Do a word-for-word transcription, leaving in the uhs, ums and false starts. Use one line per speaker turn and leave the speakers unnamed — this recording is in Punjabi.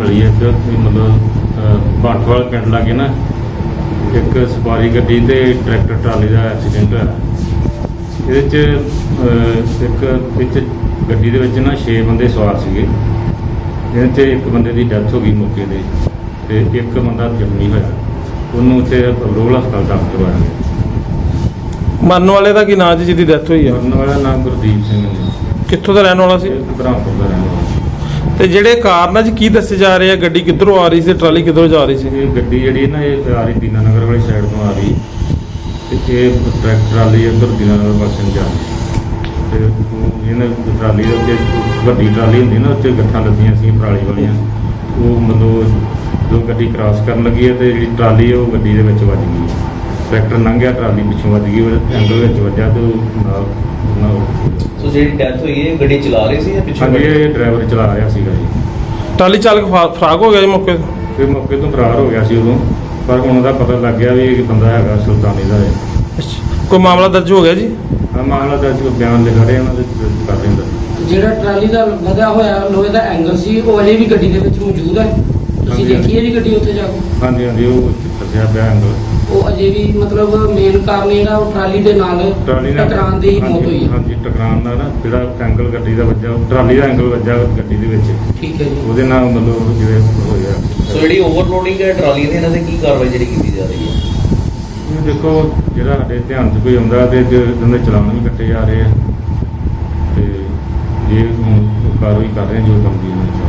मिली है कि मतलब बाठवाल पिंड लागे ना एक सवारी गड्डी ते ट्रैक्टर ट्राली का एक्सीडेंट होया। ये एक इच गड्डी दे विच ना छे बंदे सवार सीगे। इहदे च एक बंदे की डैथ हो गई मौके ते ते एक बंदा जख्मी होया। उन्होंने उत्थे रोहल हस्पताल दाखल करवाया गया।
मरन वाले का की नाम जी जिहदी डैथ हुई है?
मरन वाला नाम गुरदीप सिंह ने।
कित्थों दा रहने वाला सी?
ब्रह्मपुर का रहने वाला।
ਤੇ ਜਿਹੜੇ ਕਾਰਨ ਅੱਜ ਕੀ ਦੱਸੇ ਜਾ ਰਹੇ ਆ, ਗੱਡੀ ਕਿੱਧਰੋਂ ਆ ਰਹੀ ਸੀ, ਟਰਾਲੀ ਕਿੱਧਰੋਂ ਜਾ ਰਹੀ ਸੀ?
ਇਹ ਗੱਡੀ ਜਿਹੜੀ ਨਾ ਇਹ ਆ ਰਹੀ ਦੀਨਾ ਨਗਰ ਵਾਲੀ ਸਾਈਡ ਤੋਂ ਆ ਰਹੀ ਤੇ ਇਹ ਟਰੈਕਟਰ ਟਰਾਲੀ ਇੱਧਰ ਦੀਨਾ ਨਗਰ ਪਾਸੇ ਨੂੰ ਜਾ ਰਹੀ ਤੇ ਇਹਨਾਂ ਟਰਾਲੀ ਦੇ ਉੱਤੇ ਵੱਡੀ ਟਰਾਲੀ ਹੁੰਦੀ ਨਾ ਉੱਤੇ ਗੱਠਾਂ ਲੱਗੀਆਂ ਸੀ ਪਰਾਲੀ ਵਾਲੀਆਂ। ਉਹ ਮਤਲਬ ਜੋ ਗੱਡੀ ਕ੍ਰਾਸ ਕਰਨ ਲੱਗੀ ਹੈ ਤੇ ਜਿਹੜੀ ਟਰਾਲੀ ਉਹ ਗੱਡੀ ਦੇ ਵਿੱਚ ਵੱਜ ਗਈ। ਟਰੈਕਟਰ ਲੰਘਿਆ, ਟਰਾਲੀ ਪਿੱਛੋਂ ਵੱਜ ਗਈ, ਉਹ ਐਂਗਲ ਵਿੱਚ ਵੱਜਾ ਤੇ ਉਹ ਨਾਲ ਨਾਲ
ਸੋ ਜਿਹੜੀ ਡੈਥ ਹੋਈ ਹੈ ਗੱਡੀ ਚਲਾ ਰਹੇ ਸੀ ਜਾਂ ਪਿੱਛੇ?
ਹਾਂਜੀ, ਇਹ ਡਰਾਈਵਰ ਚਲਾ ਰਿਹਾ ਸੀਗਾ ਜੀ।
ਟਰਾਲੀ ਚਾਲਕ ਫਾ- ਫਰਾਕ ਹੋ ਗਿਆ ਜੀ ਮੌਕੇ ਤੇ?
ਤੇ ਮੌਕੇ ਤੋਂ ਫਰਾਰ ਹੋ ਗਿਆ ਸੀ ਉਦੋਂ, ਪਰ ਹੁਣ ਉਹਦਾ ਪਤਾ ਲੱਗ ਗਿਆ ਵੀ ਇਹ ਬੰਦਾ ਹੈਗਾ ਸੁਲਤਾਨੀ ਦਾ ਹੈ।
ਅੱਛਾ, ਕੋਈ ਮਾਮਲਾ ਦਰਜ ਹੋ ਗਿਆ ਜੀ?
ਆ ਮਾਮਲਾ ਦਰਜ ਕੋ ਬਿਆਨ ਲਿਖਾ ਰਹੇ ਉਹਨਾਂ ਦੇ ਕਰ ਰਹੇ ਨੇ।
ਜਿਹੜਾ ਟਰਾਲੀ ਦਾ ਵਧਿਆ ਹੋਇਆ ਲੋਹੇ ਦਾ ਐਂਗਲ ਸੀ ਉਹ ਅਜੇ ਵੀ ਗੱਡੀ ਦੇ ਵਿੱਚ ਮੌਜੂਦ ਹੈ? ਤੁਸੀਂ
ਹਾਂਜੀ।
ਦੇਖੀ ਹੈ ਜੀ ਗੱਡੀ ਉੱਥੇ ਜਾ ਕੇ?
ਹਾਂਜੀ ਹਾਂਜੀ, ਉਹ ਫਸਿਆ ਪਿਆ ਐਂਗਲ।
ਉਹ ਅਜੇ ਵੀ ਮਤਲਬ ਮੇਨ ਕਾਰਨ ਜਿਹੜਾ ਉਹ ਟਰਾਲੀ ਦੇ ਨਾਲ
ਟਰਾਲੀ ਨਾਲ
ਟਕਰਾਉਣ ਦੀ ਮੌਤ ਹੋਈ ਹੈ।
ਹਾਂਜੀ, ਟਕਰਾਉਣ ਦਾ ਨਾ ਜਿਹੜਾ ਐਂਗਲ ਗੱਡੀ ਦਾ ਵੱਜਾ, ਉਹ ਟਰਾਲੀ ਦਾ ਐਂਗਲ ਵੱਜਾ ਗੱਡੀ ਦੇ ਵਿੱਚ,
ਠੀਕ ਹੈ ਜੀ।
ਉਹਦੇ ਨਾਲ ਮਤਲਬ ਜਿਵੇਂ ਹੋਇਆ।
ਸੋ ਜਿਹੜੀ ਓਵਰਲੋਡਿੰਗ ਹੈ ਟਰਾਲੀ ਦੀ, ਇਹਨਾਂ ਤੇ ਕੀ ਕਾਰਵਾਈ ਜਿਹੜੀ ਕੀਤੀ ਜਾ ਰਹੀ ਹੈ?
ਇਹ ਦੇਖੋ ਜਿਹੜਾ ਸਾਡੇ ਧਿਆਨ 'ਚ ਕੋਈ ਆਉਂਦਾ ਤੇ ਇਹਨਾਂ ਦੇ ਚਲਾਨ ਵੀ ਕੱਟੇ ਜਾ ਰਹੇ ਆ ਤੇ ਜੇ ਹੁਣ ਕਾਰਵਾਈ ਕਰ ਰਹੇ ਜੋ ਕੰਮ ਦੀ ਇਹਨਾਂ ਨੇ